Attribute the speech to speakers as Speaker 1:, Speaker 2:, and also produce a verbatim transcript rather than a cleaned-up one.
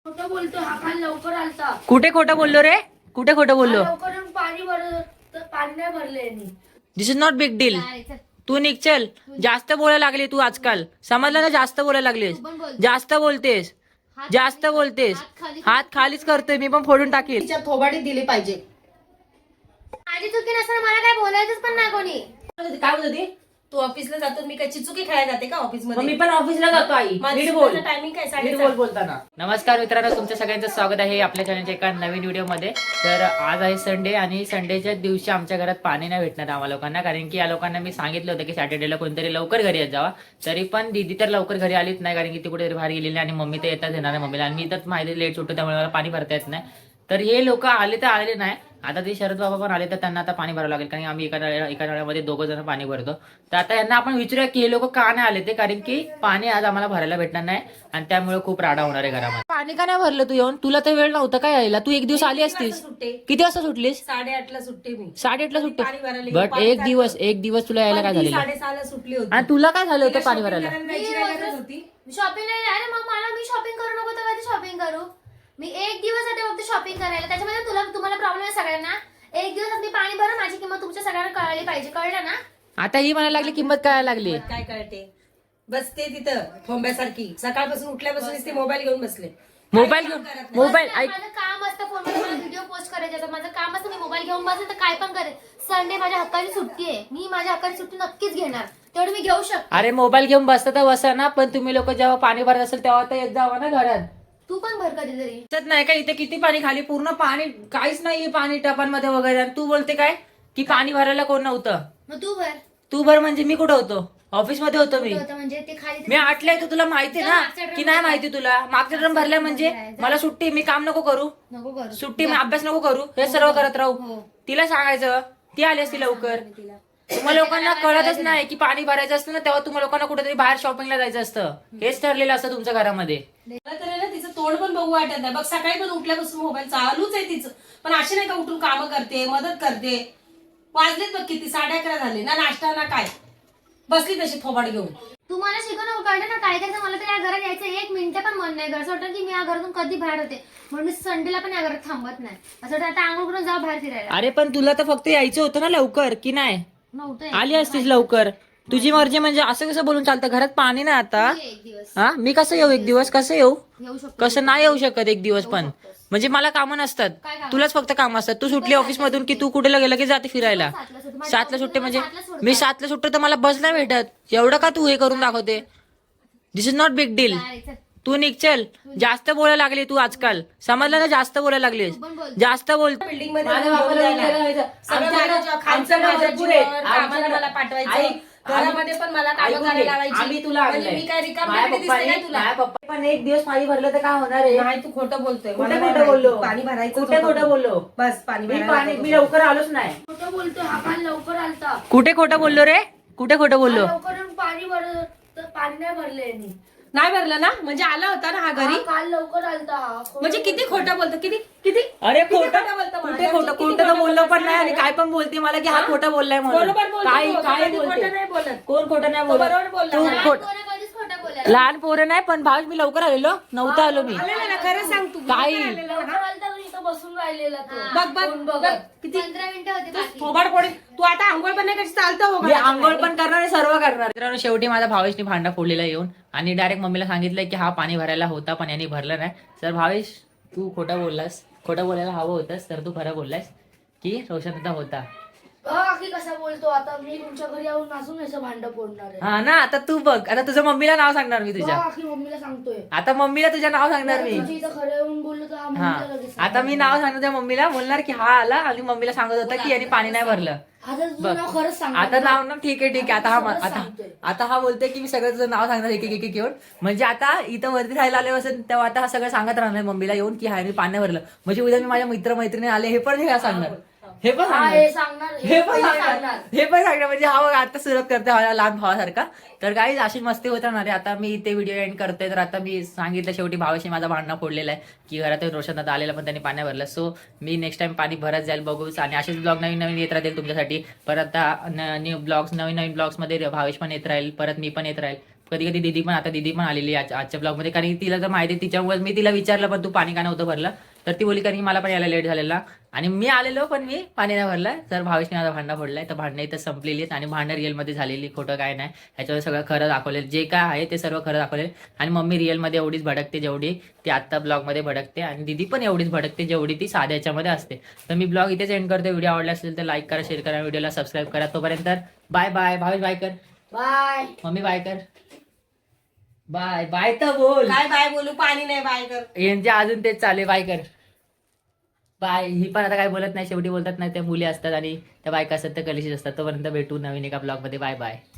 Speaker 1: खोटं बोलतो हा काल लवकर आलता.
Speaker 2: कुठे खोटं बोललो रे? कुठे खोटं बोललो?
Speaker 1: लवकर येऊन पाणी भरलं तर पाणी नाही भरले यांनी.
Speaker 2: This is not big deal. तू निघ चल. जास्त बोलायला लागली तू आजकाल. समजलं ना? जास्त बोलायला लागलीस. जास्त बोलतेस. जास्त बोलतेस. हात खालीच करतोय मी पण फोडून टाकील.
Speaker 3: तिच्या थोबाडीत दिली पाहिजे.
Speaker 4: माझी चुकी नसताना मला काय बोलायचंच पण नाही कोणी.
Speaker 3: काय बोलत होती? तू ऑफिसला जातो, मी काय चिचुकी खेळायला जाते का ऑफिस मध्ये?
Speaker 2: मी पण ऑफिसला जातो आई. नीट बोल.
Speaker 3: टायमिंग काय?
Speaker 2: नीट
Speaker 3: साडे
Speaker 2: बोल बोलताना. नमस्कार मित्रांनो, तुमचं सगळ्यांचं स्वागत आहे आपल्या चॅनलच्या एका नवीन व्हिडिओमध्ये. तर आज आहे संडे आणि संडेच्या दिवशी आमच्या घरात पाणी नाही भेटणार आम्हाला लोकांना, कारण की या लोकांना मी सांगितलं होतं की सॅटर्डेला कोणतरी लवकर घरी येत जावा. तरी पण दीदी तर लवकर घरी आलीच नाही, कारण की ती कुठेतरी बाहेर गेलेली आणि मम्मी तर येतात येणार आहे मम्मीला, आणि मी तर माहिती लेट सुटतो त्यामुळे मला पाणी भरता येत नाही. तर हे लोक आले तर आले नाही. आता ते शरद बाबा पण आले तर त्यांना आता पाणी भरावं लागेल, कारण आम्ही एका नळ्या एका नळ्यामध्ये दोघं जण पाणी भरतो. तर आता यांना आपण विचारूया की हे लोक का नाही आले ते, कारण की पाणी आज आम्हाला भरायला भेटणार नाही आणि त्यामुळे खूप राडा होणार आहे घरामध्ये. पाणी का नाही भरलं तू येऊन? तुला तर वेळ नव्हता काय यायला? तू एक दिवस आली असतीस. किती वाजता सुटलीस?
Speaker 3: साडेआठला सुट्टी मी.
Speaker 2: साडेआठला सुट्टी.
Speaker 3: पाणी भरायला
Speaker 2: बट एक दिवस एक दिवस तुला यायला काय झालेलं?
Speaker 3: साडेसहाला सुटली होती.
Speaker 2: आणि तुला काय झालं होतं पाणी भरायला?
Speaker 3: होती.
Speaker 4: शॉपिंग नाही. अरे मग मला मी शॉपिंग करू नको तर कधी शॉपिंग करू? मी एक दिवस आधी फक्त शॉपिंग करायला, त्याच्यामध्ये तुला तुम्हाला प्रॉब्लेम आहे सगळ्यांना. एक दिवस आधी पाणी भरा, माझी किंमत तुमच्या सगळ्यांना कळाली पाहिजे. कळलं ना?
Speaker 2: आता ही म्हणायला लागली किंमत कळायला लागली.
Speaker 3: काय कळते? बसते तिथं थोंब्यासारखी. सकाळपासून उठल्यापासून ते मोबाईल घेऊन बसले.
Speaker 2: मोबाईल घेऊन मोबाईल ऐक.
Speaker 4: माझं काम असतं फोनमध्ये, मला व्हिडिओ पोस्ट करायचे असतात. माझं काम असतं, मी मोबाईल घेऊन बसेल तर काय पण करेल. संडे माझ्या हक्काची सुट्टी आहे, मी माझ्या हक्काची सुट्टी नक्कीच घेणार, तेवढी मी घेऊ शकते.
Speaker 2: अरे मोबाईल घेऊन बसता तर बसा ना, पण तुम्ही लोक जेव्हा पाणी भरत असेल तेव्हा तर येत जावा ना घरात.
Speaker 4: तू पण भर कधीतरी.
Speaker 2: दिसत नाही का इथे किती पाणी? खाली पूर्ण पाणी, काहीच नाहीये पाणी टपांमध्ये वगैरे. आणि तू बोलते काय की पाणी भरायला कोण नव्हतं?
Speaker 4: मग तू भर.
Speaker 2: तू भर म्हणजे मी कुठं होतो? ऑफिस मध्ये होतो मी.
Speaker 4: होतं म्हणजे ते खाली
Speaker 2: मी आटल्या येतो, तुला माहिती ना की नाही माहिती तुला? मागच्या ड्रम भरल्या म्हणजे मला सुट्टी, मी काम नको करू,
Speaker 4: नको करू.
Speaker 2: सुट्टी मी अभ्यास नको करू, हे सर्व करत राहू. तिला सांगायचं, ती आली असती लवकर. तुम्हा लोकांना कळतच नाही की पाणी भरायचं असतं ना तेव्हा तुम्हा लोकांना कुठेतरी बाहेर शॉपिंगला जायचं असतं. हेच ठरलेलं असतं तुमच्या घरामध्ये.
Speaker 3: मला तर आहे ना तिचं तोंड पण बघू वाटत नाही. बघ सकाळी पण उठल्यापासून मोबाईल चालूच आहे तिचं, पण अशी नाही का उठून कामं करते, मदत करते. वाजलेत बघ किती, साडे अकरा झाले ना, नाश्ता ना काय, बसली तशी थोबाड घेऊन.
Speaker 4: तुम्हाला शिकवणं कळलं ना काय करायचं. मला तर या घरात यायचं एक मिनिट पण मन नाही. असं वाटतं की मी या घरातून कधी बाहेर होते, म्हणून मी संडेला पण या घरात थांबत नाही. असं वाटतं आता आंघोळ करून जाऊ बाहेर फिरायला.
Speaker 2: अरे पण तुला तर फक्त यायचं होतं ना लवकर, की नाही?
Speaker 4: नव्हतं
Speaker 2: आली असतीस लवकर. तुझी मर्जी म्हणजे असं कसं बोलून चालतं? घरात पाणी नाही आता.
Speaker 4: एक दिवस
Speaker 2: हा, मी कसं येऊ एक दिवस? कसं येऊ?
Speaker 4: येऊ शकतो.
Speaker 2: कसं नाही येऊ शकत एक दिवस पण? म्हणजे मला कामं नसतात,
Speaker 4: काय कामं?
Speaker 2: तुलाच फक्त काम असतात. तू सुटली ऑफिस मधून की तू कुठे गेलं की जाते फिरायला?
Speaker 4: सातला सुट्टी. माझी
Speaker 2: सातला
Speaker 4: ऑफिस
Speaker 2: सुट्टी म्हणजे
Speaker 4: सातला सोडतात.
Speaker 2: मी सातला सुट्टी तर मला बस नाही भेटत. एवढं का तू हे करून दाखवते? This is not big deal.
Speaker 4: काय चल.
Speaker 2: तू निघ चल. जास्त बोलायला लागली तू आजकाल. समजलं ना? जास्त बोलायला लागलीस.
Speaker 4: तू पण बोल.
Speaker 2: जास्त बोल.
Speaker 3: बिल्डिंग मध्ये
Speaker 2: माझ्या
Speaker 3: येऊन
Speaker 2: बापाला
Speaker 3: बोलायला.
Speaker 2: विचारायला
Speaker 3: सगळं
Speaker 2: आमच्याकडे-
Speaker 3: माझ्या जीवावर, खायचं
Speaker 2: आमच्याकडे
Speaker 3: माझ्या
Speaker 2: भरपूर आहे.
Speaker 3: जीवावर, कामाला
Speaker 2: आमच्याकडे-
Speaker 3: मला पाठवायचं.
Speaker 2: आई-
Speaker 3: घरामध्ये पण मला कामं
Speaker 2: ऐकून
Speaker 3: करायला
Speaker 2: घे.
Speaker 3: लावायची.
Speaker 2: आम्ही तुला
Speaker 3: म्हणजे
Speaker 2: आणलंय.
Speaker 3: मी काय रिकाम
Speaker 2: माझ्या
Speaker 3: दिसते
Speaker 2: पप्पाने-
Speaker 3: काय तुला?
Speaker 2: माझ्या पप्पा पण एक दिवस पाणी भरलं तर काय होणार आहे?
Speaker 3: नाही, तू खोटं बोलतोय.
Speaker 2: कुठे
Speaker 3: मला नाही
Speaker 2: खोटं बोललो?
Speaker 3: माहिती. पाणी भरायचं
Speaker 2: कुठे
Speaker 3: होतं.
Speaker 2: खोटं बोललो?
Speaker 3: बस पाणी
Speaker 2: मी
Speaker 3: भरायला
Speaker 2: पाणी
Speaker 3: होतं.
Speaker 2: मी लवकर आलोच नाही.
Speaker 1: खोटं बोलतो हा काल लवकर आलता.
Speaker 2: कुठे खोटं बोललो रे? कुठे खोटं बोललो?
Speaker 1: लवकर येऊन पाणी भरलं तर पाणी नाही भरले यांनी.
Speaker 3: नाही भरलं ना, म्हणजे आला होता ना हा घरी.
Speaker 1: हा काल लवकर आलता हा. खोटं
Speaker 3: म्हणजे किती खोटं बोलतो, किती किती
Speaker 2: अरे
Speaker 3: किती
Speaker 2: खोटं
Speaker 3: खोटं बोलतो मला?
Speaker 2: कुठे खोटं
Speaker 3: किती
Speaker 2: खोटं तर
Speaker 3: खोटं
Speaker 2: बोललो
Speaker 3: बोलतो?
Speaker 2: पण नाही, आणि काय पण बोलते मला की हा खोटं बोललाय म्हणून.
Speaker 3: बरोबर बोलतो
Speaker 2: काय
Speaker 3: तो.
Speaker 2: काय
Speaker 3: कधी खोटं
Speaker 2: बोलते?
Speaker 3: नाही बोलत.
Speaker 2: कोण खोटं नाही
Speaker 3: तो बरोबर
Speaker 2: बोलत?
Speaker 3: बोलला.
Speaker 2: तू
Speaker 4: लहान
Speaker 2: खोट
Speaker 4: पोरं कधीच खोटं बोलायला.
Speaker 2: लहान पोरं नाही, पण भाव मी लवकर आलेलो नव्हतं आलो मी.
Speaker 3: आलेलं ना, खरं सांग तू.
Speaker 2: काही.
Speaker 1: लवकर आलता पण इथं बसून राहिलेला तो.
Speaker 3: बघ बघ
Speaker 1: कोण
Speaker 3: बघ
Speaker 1: बघत?
Speaker 3: किती
Speaker 4: पंधरा मिनिटं होते बाकी.
Speaker 3: थोबाड फोडी. तू आता आंघोळ पण नाही कशी चालतं हो
Speaker 2: मी आंघोळ पण करणार आणि सर्व करणार. मित्रांनो, शेवटी माझा भावेशने भांडा फोडलेला येऊन आणि डायरेक्ट मम्मीला सांगितलंय की हा पाणी भरायला होता पण यांनी भरलं नाही. तर भावेश, तू खोटं बोललास, खोटं बोलायला हवं होतंस, तर तू खरं बोललास की रोशनदा होता.
Speaker 1: हा की कसा बोलतो आता? मी तुमच्या घरी येऊन नाचून याचं भांड फोडणार आहे.
Speaker 2: हा ना, आता तू बघ. आता तुझ्या मम्मीला नाव सांगणार मी तुझ्या.
Speaker 1: हा की मम्मीला सांगतोय.
Speaker 2: आता मम्मीला तुझ्या नाव सांगणार मी.
Speaker 1: तुझी इथं खरं येऊन बोललो तर हा
Speaker 2: हा,
Speaker 1: मम्मीला लगेच
Speaker 2: आता मी नाव सांगणार त्या मम्मीला, बोलणार की हा आला आणि मम्मीला सांगत होता की यांनी पाणी नाही भरलं.
Speaker 1: आता तुझं
Speaker 2: बघ.
Speaker 1: नाव खरंच सांग.
Speaker 2: आता नाव ना, ठीक आहे ठीक आहे. आता हा
Speaker 1: आता
Speaker 2: आता
Speaker 1: सांगतोय.
Speaker 2: आता हा बोलतोय की मी सगळं तुझं नाव सांगणार एक एक एक घेऊन. म्हणजे आता इथं वरती राहायला आले असेल तेव्हा आता हा सगळं सांगत राहणार मम्मीला येऊन की हा पाणी भरलं. म्हणजे उद्या मी माझ्या मित्र मैत्रिणी आले हे पण हे सांगणार, हे पण
Speaker 1: हा
Speaker 2: सांगणार.
Speaker 1: हे सांगणार
Speaker 2: हे पण
Speaker 1: पहिले
Speaker 2: सांगणार हे पण सांगणार म्हणजे हा बघ आता सुरुवात करते हा लहान भावासारखा. तर काही अशी मस्ती होत राहणार आहे. आता मी इथे व्हिडिओ एंड करतोय. तर आता मी सांगितलं शेवटी भावाशी माझा भांडणं फोडलेला आहे की घरात रोशन आता आलेला पण त्यांनी पाणी भरलं. सो मी नेक्स्ट टाइम पाणी भरत जाईल बघूच. आणि असेच ब्लॉग नवीन नवीन येत राहतील तुमच्यासाठी. परत आता न्यू ब्लॉग्स नवीन नवीन ब्लॉग्स मध्ये भावेश पण येत राहील, परत मी पण येत राहील. कधी कधी दिदी पण आता दिदी पण आलेली आहे आज- आजच्या ब्लॉगमध्ये, कारण की तिला तर माहिती आहे तिच्यामुळे मी तिला विचारलं पण तू पाणी का नव्हतं भरलं, तर ती बोली कारण की मला पण यायला लेट झालेला आणि मी आलेलो पण मी पाणी नाही भरलं. तर भावेशने आता भांडा फोडलाय, तर भांडणं इथं संपलेली आहेत आणि भांडणं रिअलमध्ये झालेली, खोटं काय नाही. ह्याच्यावर सगळं खरं दाखवलेलं, जे काय आहे ते सर्व खरं दाखवलेलं. आणि मम्मी रिअलमध्ये एवढीच भडकते जेवढी ती आत्ता ब्लॉगमध्ये भडकते, आणि दिदी पण एवढीच भडकते जेवढी ती साध्या याच्यामध्ये असते. तर मी ब्लॉग इथेच एंड करतो. व्हिडिओ आवडला असेल तर लाईक करा, शेअर करा, व्हिडिओला सबस्क्राईब करा. तोपर्यंत बाय बाय. भावेश बाय कर,
Speaker 1: बाय.
Speaker 2: मम्मी बाय कर, बाय बाय तर बोल.
Speaker 3: काय बाय बोलू, पाणी नाही बाय कर.
Speaker 2: यांचे अजून तेच चालू आहे, बाय कर बाय. ही पण आता काय बोलत नाही, शेवटी बोलतात नाही, त्या मुली असतात आणि त्या बायका असतात त्या कलिशीच असतात. तोपर्यंत भेटू नवीन एका ब्लॉगमध्ये. Bye bye.